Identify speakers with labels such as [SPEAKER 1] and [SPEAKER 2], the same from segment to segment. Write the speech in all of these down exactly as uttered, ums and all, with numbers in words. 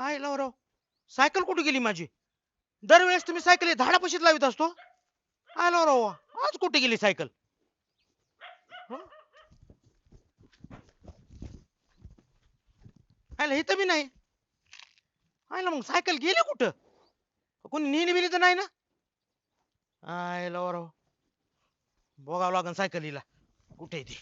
[SPEAKER 1] I लाव राव cycle कुठे गेली माझी? दरवेळेस तुम्ही सायकल झाडापाशीच लावित असतो. आय लाव राव आज कुठे गेली सायकल? हं? आयला इथं बी नाही. आयला मग सायकल गेली कुठं? कोणी नेली बिली तर नाही ना? आय लाव राव बघावं लागन सायकलीला कुठे आहे ती.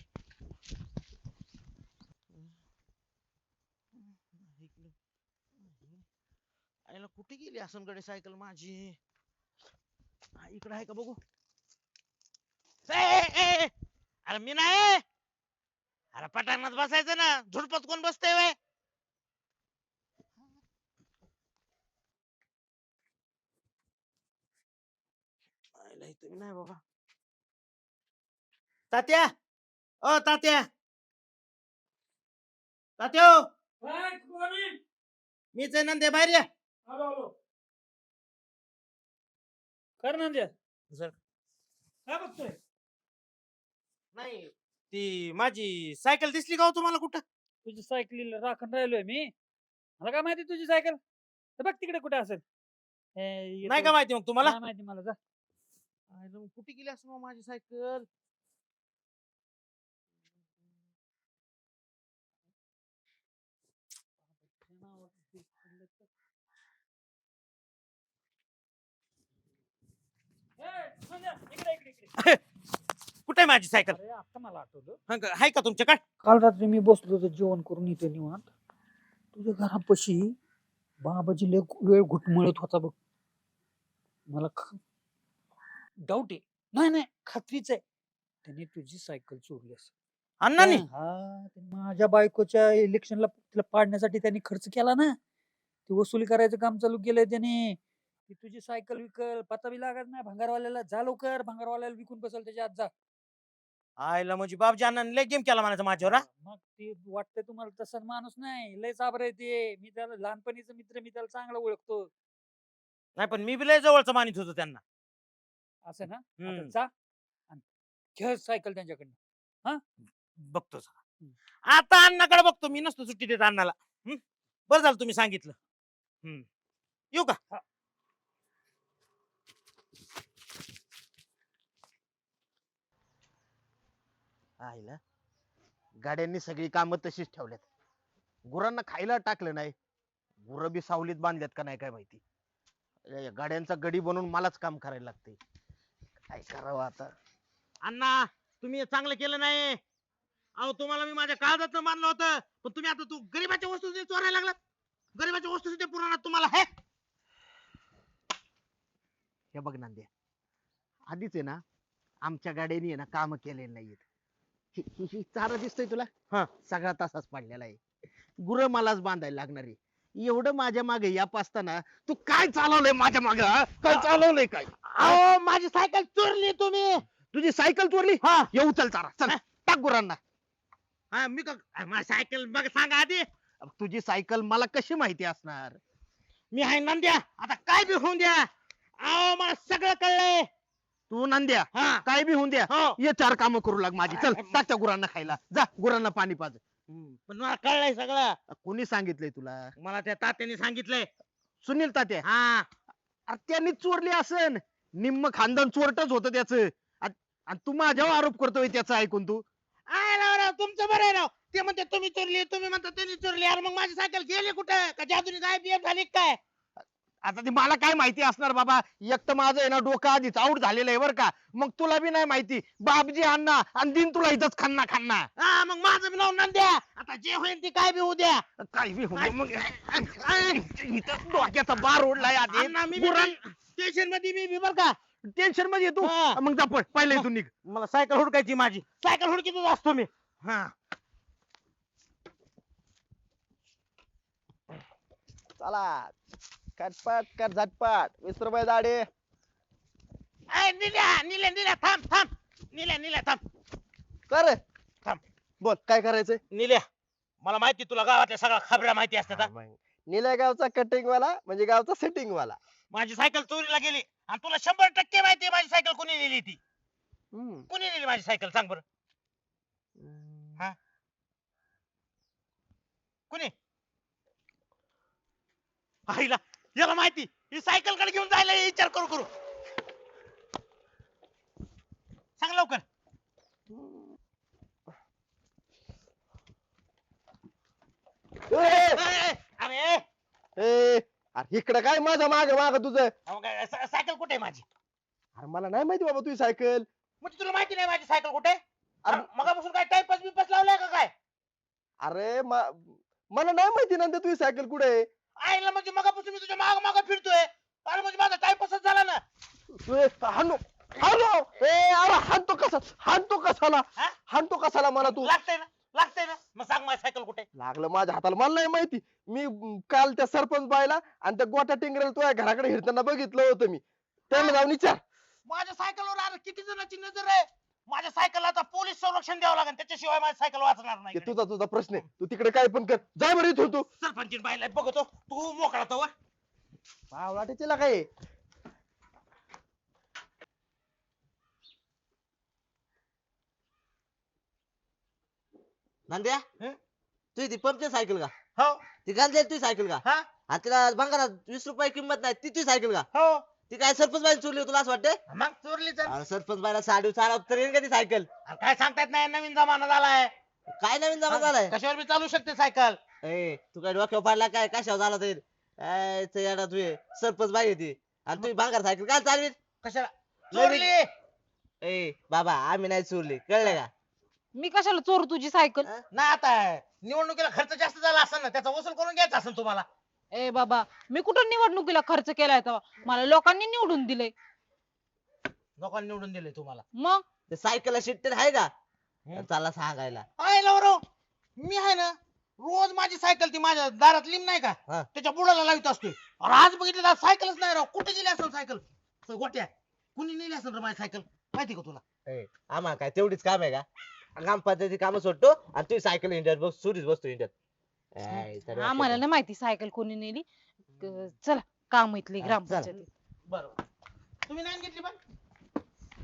[SPEAKER 1] आयला कुठे गेली असनकडे सायकल माझी? इकडे आहे का बघू. ए, ए, ए, अरे मी नाही. अरे पटांगणात बसायचं ना, झुडपत कोण बसतंय व्हय? आयला इथं नाही बाबा. तात्या, ओ तात्या, तात्या हो.
[SPEAKER 2] काय कोण आहे?
[SPEAKER 1] मीच आहे नंदे बाहेर या.
[SPEAKER 2] आलो आलो. कर नंद्या.
[SPEAKER 1] सर
[SPEAKER 2] काय बघतोय?
[SPEAKER 1] नाही ती माझी सायकल दिसली का हो तुम्हाला कुठं?
[SPEAKER 2] तुझी सायकलीला राखण राहिलोय मी. मला काय माहिती तुझी सायकल? तर बघ तिकडे कुठे असेल. हे, येतो.
[SPEAKER 1] नाही का माहिती मग तुम्हाला?
[SPEAKER 2] नाही माहिती मला जा.
[SPEAKER 1] आयला मग कुठे गेली असं माझी सायकल?
[SPEAKER 2] ए, नंद्या, इकडे इकडे इकडे.
[SPEAKER 1] कुठे आहे माझी सायकल?
[SPEAKER 2] अरे आता मला आठवलं.
[SPEAKER 1] हं का- आहे का तुमच्याकडे?
[SPEAKER 2] काल रात्री मी बसलो होतो जेवण करून इथे निवांत. तुझ्या घरापाशी बाबाजी लय वेळ घुटमळत होता बघ. मला डाऊट आहे. नाही नाही खात्रीच आहे. त्याने तुझी सायकल चोरली असेल.
[SPEAKER 1] अण्णांनी?
[SPEAKER 2] हा ते माझ्या बायकोच्या इलेक्शनला तिला पाडण्यासाठी त्यांनी खर्च केला ना. ती वसुली करायचं काम चालू केलंय त्याने. ती तुझी सायकल विकल पत्ता बी लागत नाही भंगारवाल्याला. जा लवकर भंगारवाल्याला विकून बसल त्याच्या आत जा.
[SPEAKER 1] आयला म्हणजे बाबजी अण्णांनी लय गेम केला म्हणायचं माझ्यावर. हा?
[SPEAKER 2] मग ती वाटतंय तुम्हाला तसा माणूस नाही. लय चाबर आहे ते. मी त्याला लहानपणीचा मित्र मी त्याला चांगला ओळखतो.
[SPEAKER 1] नाही पण मी बी लय जवळचं मानित होतो त्यांना.
[SPEAKER 2] असं ना आता
[SPEAKER 1] हम्म.
[SPEAKER 2] जा आणि घे सायकल त्यांच्याकडनं. हा
[SPEAKER 1] बघतो जरा. आता अण्णाकडे बघतो मी नसतो सुट्टी देत अण्णाला. हं? बरं झालं तुम्ही सांगितलं. हम्म. येऊ का?
[SPEAKER 2] हा.
[SPEAKER 1] आईला गाड्यांनी सगळी कामं तशीच ठेवल्यात. गुरांना खायला टाकलं नाही. गुरं बी सावलीत बांधल्यात का नाही काय माहिती. या गाड्यांचा गडी बनवून मलाच काम करायला लागते. काय करावं आता? अण्णा तुम्ही हे चांगलं केलं नाही. अहो तुम्हाला मी माझ्या काळजात मानलं होतं पण तुम्ही आता तू गरीबाच्या वस्तू चोरायला लागलात. गरीबाच्या वस्तू सुद्धा पुरवणार तुम्हाला. हे हे बघ नांदे आधीच आहे ना आमच्या गाड्यांनी आहे ना काम केलेली नाहीयेत. ही- ही ही चारा दिसतोय तुला? हा सगळा तसाच पडलेला आहे. गुरं मलाच बांधायला लागणार आहे. एवढं माझ्या मागे या पासताना तू काय चालवलंय माझ्या मागे? काय चालवलंय काय? अहो माझी सायकल चोरली तुम्ही. तुझी सायकल चोरली? हा येऊ चल चारा चल टाक गुरांना. हा मी का माझी सायकल बघ सांगा आधी. तुझी सायकल मला कशी माहिती असणार? मी आहे नंद्या. आता काय बी होऊन द्या. अहो मला सगळं कळलंय. तू नंद्या काय बी होऊन द्या. ये चार काम करू लाग माझी. चल टाक त्या गुरांना खायला. जा गुरांना पाणी पाज. पण मला कळलंय सगळं. कोणी सांगितलंय तुला? मला त्या तात्याने सांगितलंय. सुनील तात्या? हा अरे त्यांनी चोरली असन. निम्म खानदान चोरटच होतं त्याच. आणि तू माझ्यावर आरोप करतोय त्याचा ऐकून तू. आय राव राव तुमचं बरं आहे राव. ते म्हणते तुम्ही चोरली तुम्ही म्हणता त्यांनी चोरली. अरे मग माझी सायकल गेली कुठं? का जादूने गायब बियब झाली काय? आता ते मला काय माहिती असणार बाबा. एक तर माझं आहे ना डोकं आधीच आऊट झालेलं आहे बरं का. मग तुला बी नाही माहिती. बापजी अण्णा आणि दिन तुला इथंच खन्ना खन्ना. हा मग माझं बी नाव नंद्या. आता जे होईल ते काय बी होऊ द्या. काय बी होऊ द्या मग. इथं डोक्याचा बार ओढलाय आधी. स्टेशन मध्ये मी बी बर का. टेन्शन मध्ये तू मग जा पळ पहिले इथून निघ. मला सायकल हुडकायची माझी. सायकल हुडकीतच असतो मी. हा
[SPEAKER 3] चला कटपट कट झटपट वीस रुपये दाढी.
[SPEAKER 1] ए, निल्या निल्या निल्या थांब थांब. निल्या निल्या थांब.
[SPEAKER 3] कर
[SPEAKER 1] थांब.
[SPEAKER 3] बोल काय करायचंय?
[SPEAKER 1] निल्या मला माहिती तुला गावातल्या सगळ्या खबऱ्या माहिती असतात हा?
[SPEAKER 3] निल्या गावचा कटिंग वाला म्हणजे गावचा सेटिंग वाला.
[SPEAKER 1] माझी सायकल चोरीला गेली आणि तुला शंभर टक्के माहिती आहे माझी सायकल कोणी नेली ती.
[SPEAKER 3] हम्म.
[SPEAKER 1] कोणी नेली माझी सायकल सांग बरं. हा कोणी?
[SPEAKER 4] आईला याला माहिती ही सायकल कडे घेऊन जायला विचार करू करू सांग लवकर.
[SPEAKER 3] ए,
[SPEAKER 4] ए, ए, अरे
[SPEAKER 3] ए, अरे इकडे काय माझा माग माग तुझं.
[SPEAKER 4] अहो, काय, सा- सायकल कुठे आहे माझी?
[SPEAKER 3] अरे मला नाही माहिती बाबा तुझी सायकल.
[SPEAKER 4] म्हणजे तुला माहिती नाही माझी सायकल कुठे आहे?
[SPEAKER 3] अरे
[SPEAKER 4] अरे मगापासून काय टाइमपास बिपास लावलाय का काय?
[SPEAKER 3] अरे म- मला नाही माहिती नंतर तुझी सायकल कुठे आहे.
[SPEAKER 4] आईला म्हणजे मगापासून मी तुझ्या माग माग फिरतोय. अरे म्हणजे माझा टाइमपासच झाला ना.
[SPEAKER 3] ए, हाणू हाणू ए अरे हाणतो कसा हाणतो कसाला
[SPEAKER 4] हा?
[SPEAKER 3] हाणतो कसाला मला तू.
[SPEAKER 4] लागतंय ना लागतंय ना मग सांग माझी सायकल कुठे आहे?
[SPEAKER 3] लागलं माझ्या हाताला मला नाही माहिती. मी म, काल त्या सरपंच बायला आणि त्या गोटा टिंगरेला तुझ्या घराकडे हिरताना बघितलं होतं मी. त्यांना जाऊन विचार.
[SPEAKER 4] माझ्या सायकलवर अरे किती जणांची नजर आहे. माझ्या सायकलला आता पोलीस संरक्षण द्यावं लागेल त्याच्याशिवाय माझी सायकल वाचणार नाही
[SPEAKER 3] ते
[SPEAKER 4] इकडे.
[SPEAKER 3] तुझा तुझा प्रश्न आहे. तू तिकडे काय पण कर. जा बरं इथून तू.
[SPEAKER 4] सरपंच बाईला बघतो तू मोकळा तो
[SPEAKER 3] वाटेला काय
[SPEAKER 1] नांद्या
[SPEAKER 4] हं?
[SPEAKER 1] तुझी ती पंपची सायकल का?
[SPEAKER 4] हो
[SPEAKER 1] ती घालते तुझी सायकल का?
[SPEAKER 4] हा
[SPEAKER 1] आणि तिला भंगारात वीस रुपये किंमत नाही ती तुझी सायकल का?
[SPEAKER 4] हो
[SPEAKER 1] ती काय सरपंच बाई चोरली तुला असं वाटतं?
[SPEAKER 4] मग चोरली तर
[SPEAKER 1] अरे सरपंच बाईला साडी चालव तर येईल का ती सायकल?
[SPEAKER 4] अरे काय सांगतायत नाही नवीन जमाना झालाय.
[SPEAKER 1] काय नवीन जमा झालाय?
[SPEAKER 4] कशावर बी चालू शकते सायकल.
[SPEAKER 1] ए तू काय डोक्यावर पाडला काय कशावर झाला तर काय ते येडा तू हे. सरपंच बाई आहे ती आणि तुम्ही भांगार सायकल काय चालवी?
[SPEAKER 4] कशाला
[SPEAKER 1] नवीन-
[SPEAKER 4] चोरली
[SPEAKER 1] ए बाबा आम्ही नाही चोरली कळलं का?
[SPEAKER 5] मी कशाला चोरू तुझी सायकल?
[SPEAKER 4] नाही आता निवडणुकीला खर्च जास्त झाला असेल ना त्याचा वसूल करून घ्यायचा असेल तुम्हाला.
[SPEAKER 5] ए बाबा मी कुठं निवडणुकीला खर्च केलाय तेव्हा? मला लोकांनी निवडून दिलंय.
[SPEAKER 4] लोकांनी निवडून दिले तुम्हाला.
[SPEAKER 5] मग
[SPEAKER 1] ते सायकलला शिट्टेर आहे का?
[SPEAKER 4] हं.
[SPEAKER 1] चला सांगायला.
[SPEAKER 4] आहे लवरो मी आहे ना रोज माझी सायकल ती माझ्या दारात लिम नाही का
[SPEAKER 1] हा.
[SPEAKER 4] त्याच्या बुडाला लावित असतोय. अरे आज बघितलं तर सायकलच नाही राव. कुठे गेली असेल सायकल? तर गोट्या कुणी नेली असेल रे माझी सायकल माहिती का तुला?
[SPEAKER 1] ए, आम्हाला काय तेवढीच काम आहे का? ग्रामपंचायती काम सोडतो आणि तुझी सायकल इंडियात बस सुरीच बसतो इंडियात. ए, तरी
[SPEAKER 5] आम्हाला
[SPEAKER 1] वाटतं
[SPEAKER 5] नाही माहिती सायकल कोणी नेली. क- चला काम इथली
[SPEAKER 1] हा,
[SPEAKER 5] ग्रामपंचायत.
[SPEAKER 4] बरोबर तुम्ही नाही घेतली पण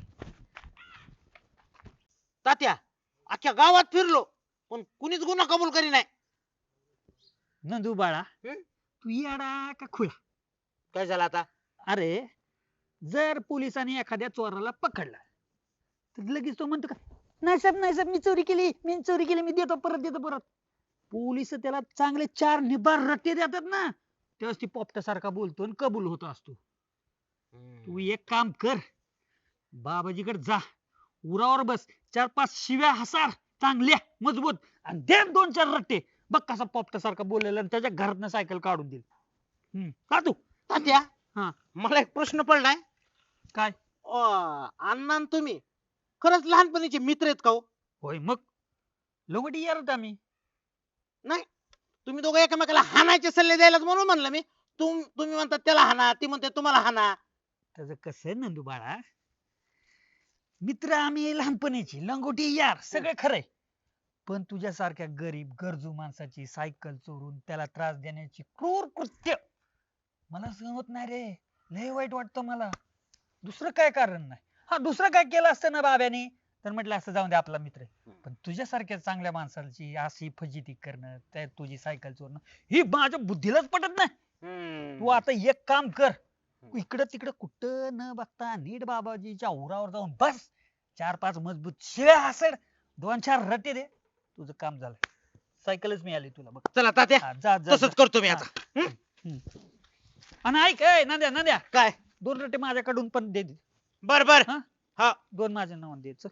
[SPEAKER 4] तात्या अख्ख्या गावात फिरलो पण कुणीच गुन्हा कबूल करी नाही.
[SPEAKER 2] नंदू बाळा
[SPEAKER 4] हं?
[SPEAKER 2] तू येडा का खुळा?
[SPEAKER 4] काय झालं आता?
[SPEAKER 2] अरे जर पोलिसांनी एखाद्या चोराला पकडला तर लगेच तो म्हणतो का नाही साहेब नाही साहेब मी चोरी केली मी चोरी केली मी देतो परत देतो परत. पोलिस त्याला चांगले चार निबार रट्टे देतात ना तेव्हाच ती पोपट्यासारखा बोलतो आणि कबूल होत असतो. तू एक काम कर बाबाजीकडे जा उरावर बस चार पाच शिव्या हसार चांगल्या मजबूत आणि दे दोन चार रट्टे बघ कसा पोपट्यासारखा बोललेला आणि त्याच्या घरातनं सायकल काढून देईल. हम्म का तू
[SPEAKER 4] तात्या
[SPEAKER 2] हा.
[SPEAKER 4] मला एक प्रश्न पडलाय.
[SPEAKER 2] काय?
[SPEAKER 4] अं, अण्णा आणि तुम्ही खरंच लहानपणीचे मित्र आहेत का हो?
[SPEAKER 2] होय मग लोगटी यार होता आम्ही.
[SPEAKER 4] नाही तुम्ही दोघं एकमेकाला हाणायचे सल्ले द्यायलाच म्हणून म्हणलं मी. तुम तुम्ही म्हणतात त्याला हाना ती म्हणते तुम्हाला हाना.
[SPEAKER 2] त्याचं कसं आहे नंदू बाळा मित्र आम्ही लहानपणीची लंगोटी यार सगळे खरंय पण तुझ्यासारख्या गरीब गरजू माणसाची सायकल चोरून त्याला त्रास देण्याची क्रूर कृत्य मला सहमत नाही रे. लय वाईट वाटतं मला. दुसरं काय कारण नाही. हा दुसरं काय केलं असतं ना बाब्याने तर म्हटलं असं जाऊन दे आपला मित्र आहे. पण तुझ्यासारख्या चांगल्या माणसाची अशी फजिती करणं त्या तुझी सायकल चोरणं ही माझ्या बुद्धीलाच पटत नाही. तू आता एक काम कर इकडं तिकडं कुठं न बघता नीट बाबाजीच्या उरावर जाऊन बस चार पाच मजबूत शिळ्या हसड दोन चार रटे दे तुझं काम झालं. सायकलच मिळाली तुला बघ.
[SPEAKER 4] चला तात्या
[SPEAKER 2] हा, जा जा
[SPEAKER 4] तसंच
[SPEAKER 2] जा.
[SPEAKER 4] करतो मी आता.
[SPEAKER 2] हम्म. हम्म. आणि ऐक ए, नांद्या नांद्या
[SPEAKER 4] काय?
[SPEAKER 2] दोन रटे माझ्याकडून पण दे दे.
[SPEAKER 4] बर बर
[SPEAKER 2] हा?
[SPEAKER 4] हा
[SPEAKER 2] दोन माझ्या नावाने द्यायचं.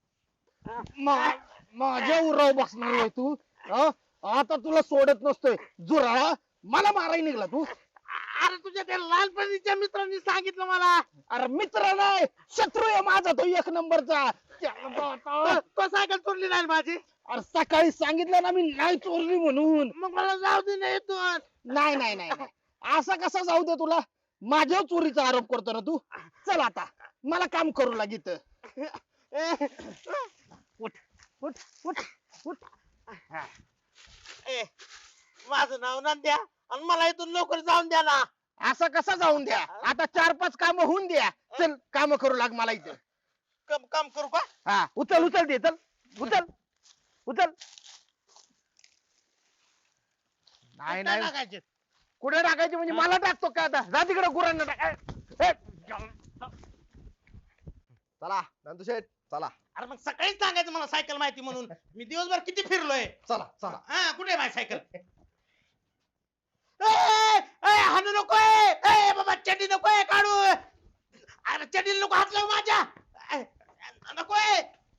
[SPEAKER 3] माझ्या उराव बसणार आहे तू. हा? आता तुला सोडत नसतोय जुराळा. मला मारायला निघला तू.
[SPEAKER 4] अरे तुझ्या त्या लहानपणीच्या मित्रांनी सांगितलं मला.
[SPEAKER 3] अरे मित्र नाही शत्रू आहे माझा तो एक नंबरचा.
[SPEAKER 4] तो तो सायकल चोरली नाही माझी.
[SPEAKER 3] अरे सकाळी सांगितलं ना मी नाही चोरली म्हणून.
[SPEAKER 4] मग मला जाऊ दे नाही तू.
[SPEAKER 3] नाही नाही नाही नाही. असा कसा जाऊ दे तुला. माझ्या चोरीचा आरोप करतो ना तू. चल आता मला काम करू लागित.
[SPEAKER 4] उठ उठ उठ उठ. ए माझं नाव नंद्या आणि मला इथून लवकर जाऊन द्या ना.
[SPEAKER 3] असं कसं जाऊन द्या. आता चार पाच काम होऊन द्या. चल काम करू लाग मला इथं.
[SPEAKER 4] काम काम करू का?
[SPEAKER 3] हा उचल उचल दे चल उचल उचल. नाही
[SPEAKER 4] कुठं
[SPEAKER 3] नाही
[SPEAKER 4] टाकायचे?
[SPEAKER 1] कुठे टाकायची म्हणजे मला टाकतो का आता जा तिकडे गुरांना टाक ए, ए,
[SPEAKER 3] चला नंदू शेठ चला
[SPEAKER 4] अरे मग सकाळीच सांगायचं मला सायकल माहिती म्हणून मी दिवसभर किती फिरलोय
[SPEAKER 3] चला चला
[SPEAKER 4] हा कुठे आहे माझी सायकल ए, ए, हाणू नकोय ए बाबा चड्डी नकोय काढू अरे चड्डी नको हात लावू माझ्या ए, नकोय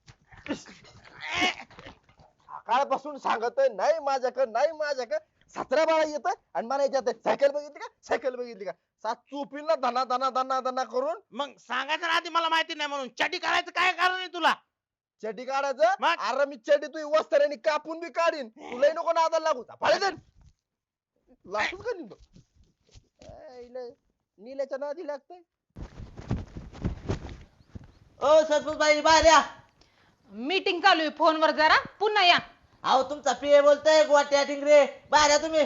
[SPEAKER 4] ए,
[SPEAKER 3] सकाळपासून सांगतोय नाही माझ्याकडे नाही माझ्याकडे सतरा बाळा येत आणि मला याच्यात सायकल बघितली का सायकल बघितली का सात चोपीला धना धना धना धना करून
[SPEAKER 4] मग सांगायचं ना आधी मला माहिती नाही म्हणून चड्डी काढायचं काय कारण आहे तुला
[SPEAKER 3] चड्डी काढायचं
[SPEAKER 4] मग?
[SPEAKER 3] अरे मी चड्डी तू वस्त्राने कापून बी काढीन तुलाही नको नादाला लागू फाळे दे लागूच का निघतो नील्याच्या नादी लागतंय
[SPEAKER 6] ओ सरपंच बाई बाहेर या.
[SPEAKER 5] मीटिंग चालू आहे फोनवर जरा पुन्हा या.
[SPEAKER 6] अहो तुमचा पीए बोलतोय गोट्या टिंगरे बाहेर या तुम्ही.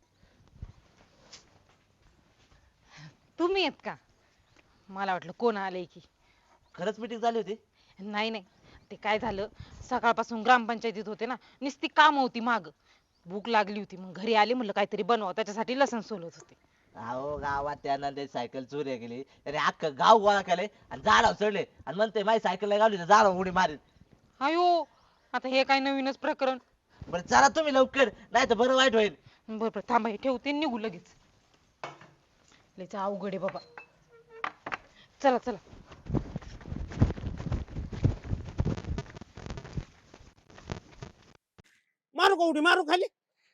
[SPEAKER 5] तुम्ही येत का मला वाटलं कोण आलंय की.
[SPEAKER 6] खरंच मीटिंग झाली होती.
[SPEAKER 5] नाही नाही ते काय झालं सकाळपासून ग्रामपंचायतीत होते ना नुसती काम होती माग भूक लागली होती मग घरी आले म्हणलं काहीतरी बनवा त्याच्यासाठी लसण सोलत होते.
[SPEAKER 6] अहो गावात त्यानं ते सायकल चोरी केली त्याने अख्खं गाव गोळा केले आणि झाडावर चढले आणि म्हणते माझी सायकल गावली तर झाडावर उडी मारेल.
[SPEAKER 5] अयो आता हे काय नवीनच प्रकरण.
[SPEAKER 6] बरं चला तुम्ही लवकर नाही तर बरं वाईट होईल.
[SPEAKER 5] बरं बरं थांबा हे ठेवते निघू लगेच. लयच अवघड आहे बाबा. चला चला.
[SPEAKER 4] मारू का उडी मारू खाली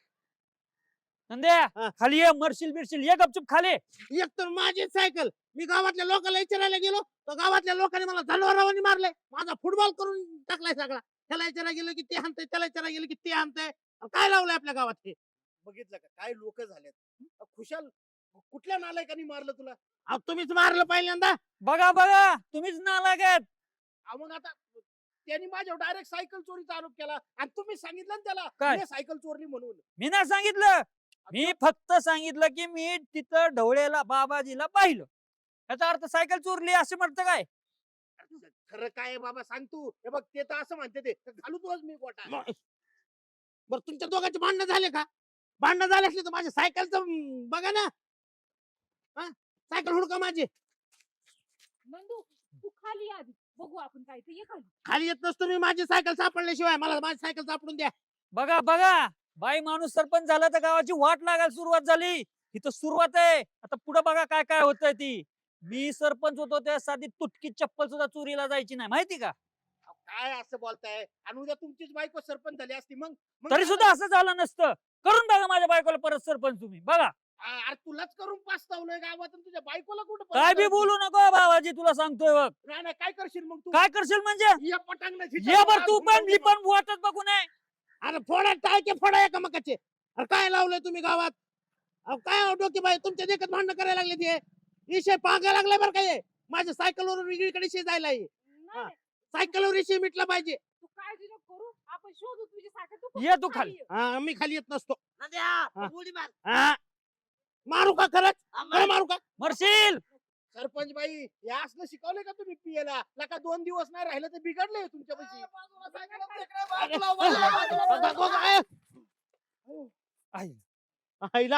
[SPEAKER 2] नंद्या
[SPEAKER 4] हा.
[SPEAKER 2] खाली ये मरशील बिरशील ये गपचूप खाली.
[SPEAKER 4] एक तर माझी सायकल मी गावातल्या लोकांना विचारायला गेलो तर गावातल्या लोकांनी मला जनावरांनी मारलंय माझा फुटबॉल करून टाकलाय सगळा. त्याला विचारायला गेलो की ते हाणतंय त्याला विचारायला गेलो की ते हाणतंय काय लावलंय आपल्या गावात हे
[SPEAKER 1] बघितलं का काय लोक झालेत खुशाल कुठल्या नालायकांनी मारलं तुला
[SPEAKER 4] अहो, तुम्हीच मारलं पहिल्यांदा.
[SPEAKER 2] बघा बघा तुम्हीच नालायक.
[SPEAKER 1] अहो, मग आता त्यांनी माझ्यावर डायरेक्ट सायकल चोरीचा आरोप केला आणि तुम्ही सांगितलं ना त्याला
[SPEAKER 2] काय?
[SPEAKER 1] मी सायकल चोरली म्हणून
[SPEAKER 2] मी नाही सांगितलं. मी फक्त सांगितलं की मी तिथं ढवळेला बाबाजीला पाहिलं याचा अर्थ सायकल चोरली असं म्हणतं काय.
[SPEAKER 1] खरं काय आहे बाबा सांग तू हे बघ ते तर असं म्हणते ते घालू तुलाच मी गोटा
[SPEAKER 4] मग- बरं तुमच्या दोघांचे भांडणं झाले का भांडणं झाले असले तर माझ्या सायकलचं अं, बघा ना हा सायकल हुडका माझी.
[SPEAKER 5] नंदू तू खाली आधी बघू आपण काय ते ये खाली.
[SPEAKER 4] खाली येत नसतो मी माझी सायकल सापडल्याशिवाय मला माझी सायकल सापडून द्या.
[SPEAKER 2] बघा बघा बाई माणूस सरपंच झाला तर गावाची वाट लागायला सुरुवात झाली. इथं सुरुवात आहे आता पुढे बघा काय काय होतंय ती. मी सरपंच होतो त्या साधी तुटकी चप्पल सुद्धा चोरीला जायची नाही माहिती का.
[SPEAKER 1] अहो, काय असं बोलताय आणि उद्या तुमचीच बायको सरपंच झाली असती मग मग
[SPEAKER 2] तरी
[SPEAKER 1] काय
[SPEAKER 2] सुद्धा असं झालं नसतं. करून बघा माझ्या बायकोला परत सरपंच तुम्ही बघा.
[SPEAKER 1] झालं? अरे तुलाच करून पाचतावलंय गावात आणि तुझ्या बायकोला कुठं
[SPEAKER 2] काय
[SPEAKER 1] परत
[SPEAKER 2] बी
[SPEAKER 1] करतो?
[SPEAKER 2] बोलू नको बाबाजी तुला सांगतोय बघ.
[SPEAKER 1] नाही नाही काय करशील मग तू
[SPEAKER 2] काय करशील म्हणजे
[SPEAKER 1] या पटांगणाची
[SPEAKER 2] ये बर
[SPEAKER 1] आज
[SPEAKER 2] तू
[SPEAKER 1] हुंडा
[SPEAKER 2] पण मी पण वाटत बघू नये.
[SPEAKER 4] अरे फोडा टाळके फोडा एका मकाचे. अरे काय लावलंय तुम्ही गावात अहो, काय डोके बाई तुमच्या देखत भांडणं करायला लागले ते विषय पाहायला लागलाय बरं काय माझ्या सायकलवरून वेगळीकडे शे जायला आहे.
[SPEAKER 5] नाही,
[SPEAKER 4] सायकलवर विषय मिटला पाहिजे.
[SPEAKER 5] तू काळजी नको करू आपण शोधू तुझी सायकल. तू
[SPEAKER 2] ये
[SPEAKER 5] फक्त
[SPEAKER 2] तू खाली.
[SPEAKER 5] ये.
[SPEAKER 4] हा, मी खाली येत नसतो.
[SPEAKER 6] नंद्या,
[SPEAKER 4] हा.
[SPEAKER 6] उडी मार.
[SPEAKER 4] हा. मारू का खरंच खरं मारू का
[SPEAKER 2] मरशील.
[SPEAKER 1] सरपंच बाई हे असलं शिकवलंय का तुम्ही पियला लका दोन दिवस नाही राहिलं तर बिघडलंय तुमच्या पैसे
[SPEAKER 4] आईला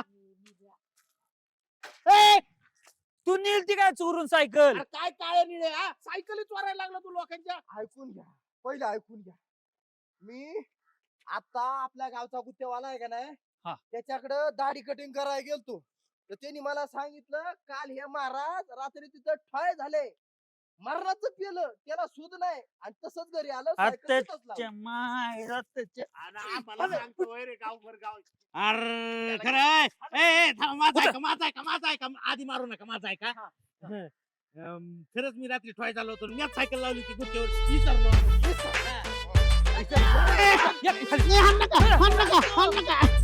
[SPEAKER 4] ए,
[SPEAKER 2] तू नेलती काय चोरून सायकल.
[SPEAKER 1] काय काळे निळे हा सायकली चोरायला लागला तू लोकांच्या
[SPEAKER 3] ऐकून घ्या पहिले ऐकून घ्या मी आता आपल्या गावचा गुत्तेवाला आहे का नाही
[SPEAKER 2] हा.
[SPEAKER 3] त्याच्याकडे दाढी कटिंग करायला गेलतो तर त्यांनी मला सांगितलं काल हे महाराज रात्री तिथं ठळ झाले मरणाचं पिलं त्याला सुध नाही आणि तसंच घरी आलं सायकल तिथंच लावली.
[SPEAKER 2] आत्याच्या मायला त्याच्या-
[SPEAKER 1] मला सांगतो होय रे गावभर गाव
[SPEAKER 4] अरे खरं आहे. ए, ए, थांब, माझा आहे का माझा आहे का माझा आहे का आधी मारू नका माझा आहे का अं, खरंच मी रात्री ठोय झालो होतो मीच सायकल लावली ती गुत्तेवर विसरलो.
[SPEAKER 2] ये, खाली.
[SPEAKER 4] हाण नका हाण नका हाण नका